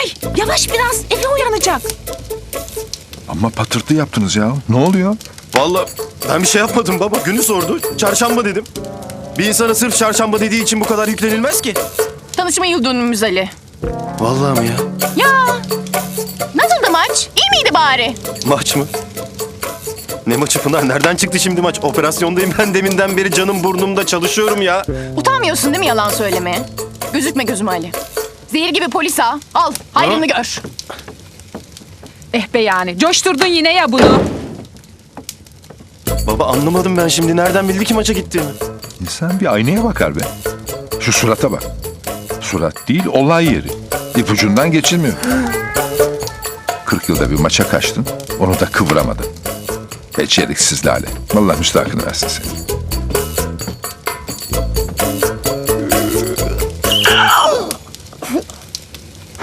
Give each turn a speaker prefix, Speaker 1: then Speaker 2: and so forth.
Speaker 1: Ay yavaş biraz, Efe uyanacak.
Speaker 2: Ama patırtı yaptınız ya. Ne oluyor?
Speaker 3: Vallahi ben bir şey yapmadım baba. Günü sordu. Çarşamba dedim. Bir insana sırf çarşamba dediği için bu kadar yüklenilmez ki.
Speaker 4: Tanışma yıl dönümümüz Ali.
Speaker 3: Vallahi mi ya?
Speaker 4: Ya nasıldı maç? İyi miydi bari?
Speaker 3: Maç mı? Ne maçı Pınar? Nereden çıktı şimdi maç? Operasyondayım ben deminden beri, canım burnumda, çalışıyorum ya.
Speaker 4: Utanmıyorsun değil mi yalan söylemeye? Gözükme gözüme Ali. Zehir gibi polis ha. Al hayrını gör.
Speaker 1: Eh be yani, coşturdun yine ya bunu.
Speaker 3: Baba anlamadım ben şimdi. Nereden bildi ki maça gittiğimi?
Speaker 2: İnsan bir aynaya bakar be. Şu surata bak. Surat değil, olay yeri. İpucundan geçilmiyor. 40 yılda bir maça kaçtın, onu da kıvıramadın. Beceriksiz Lale. Vallahi müstahakını versin seni.